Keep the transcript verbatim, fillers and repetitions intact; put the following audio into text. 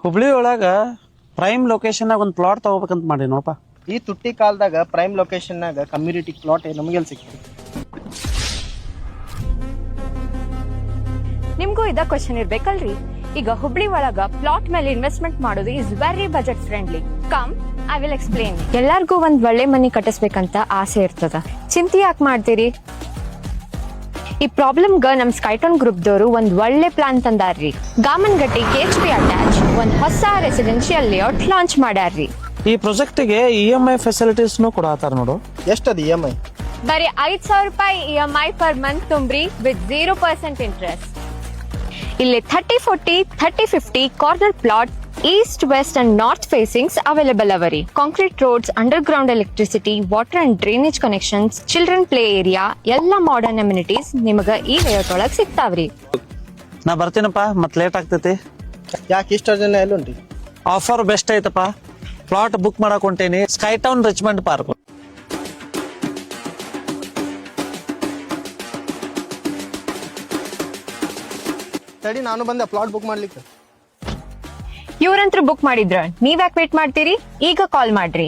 ಹುಬ್ಳಿ ಒಳಗ prime location ಒಂದು plot ತಗೋಬೇಕಂತ ಮಾಡಿ ನೋಡಪ್ಪ. ಈ ತುಟ್ಟಿ ಕಾಲದಾಗ ಪ್ರೈಮ್ ಲೊಕೇಶನ್ನಾಗ ಕಮ್ಯುನಿಟಿ ಪ್ಲಾಟ್ ನಮಗೆಲ್ಲಿ ಸಿಗ್ತದೆ? ನಿಮ್ಗೂ ಇದ ಕ್ವಶನ್ ಇರ್ಬೇಕಲ್ರಿ. ಈಗ ಹುಬ್ಳಿ ಒಳಗ ಪ್ಲಾಟ್ ಮೇಲೆ ಇನ್ವೆಸ್ಟ್ಮೆಂಟ್ ಮಾಡೋದು is very budget friendly. Come I will explain. ಎಲ್ಲಾರ್ಗೂ ಒಂದ್ ಒಳ್ಳೆ ಮನಿ ಕಟ್ಟಿಸ್ಬೇಕಂತ ಆಸೆ ಇರ್ತದ. ಚಿಂತೆ ಯಾಕೆ ಮಾಡ್ತೀರಿ? ಈ ಪ್ರಾಬ್ಲಮ್ಗ ನಮ್ ಸ್ಕೈಟೋನ್ ಗ್ರೂಪ್ ದವರು ಒಂದ್ ಒಳ್ಳೆ ಪ್ಲಾನ್ ತಂದಾರ್ರಿ. Gamangatti K H P attach ಒಂದ್ ಹೊಸ ರೆಸಿಡೆನ್ಶಿಯಲ್ ಲೇಔಟ್ ಲಾಂಚ್ ಮಾಡ್ಯಾರ್ರಿ. ಈ ಪ್ರಾಜೆಕ್ಟ್ಗೆ ಇ ಎಂ ಐ ಫೆಸಿಲಿಟೀಸ್ನು ಕೊಡತ್ತಾರ ನೋಡು. ಎಷ್ಟದ ಇ ಎಂ ಐ? ಬರೀ ಐದ್ ಸಾವಿರ ರೂಪಾಯಿ E M I per month ತುಂಬ್ರಿ ವಿತ್ ಜೀರೋ ಪರ್ಸೆಂಟ್ ಇಂಟ್ರೆಸ್ಟ್. ಇಲ್ಲಿ thirty forty thirty fifty corner plot east west and north facings available ಅವರಿ. Concrete roads, underground electricity, water and drainage connections, children play area, ಎಲ್ಲಾ modern amenities ನಿಮಗ ಈ layout ಒಳಗ್ ಸಿಗ್ತಾವ್ರಿ. ನಾ ಬರ್ತೀನಪ್ಪ, ಮತ್ late ಆಗ್ತೈತಿ. ಯಾಕೆ ಇಷ್ಟ ಜನ ಎಲ್ಲುಂಟಿ? ಆಫರ್ ಬೆಸ್ಟ್ ಐತಪ್ಪ. ಪ್ಲಾಟ್ ಬುಕ್ ಮಾಡಕ್ ಹೊಂಟೇನಿ, ಸ್ಕೈ ಟೌನ್ ರಿಚ್ಮಂಡ್ ಪಾರ್ಕ್. ತಡಿ, ನಾನು ಬಂದೆ ಪ್ಲಾಟ್ ಬುಕ್ ಮಾಡ್ಲಿಕ್ಕೆ. ಇವ್ರಂತ್ರು ಬುಕ್ ಮಾಡಿದ್ರ, ನೀವ್ ಯಾಕೆ ವೇಟ್ ಮಾಡ್ತೀರಿ? ಈಗ ಕಾಲ್ ಮಾಡ್ರಿ.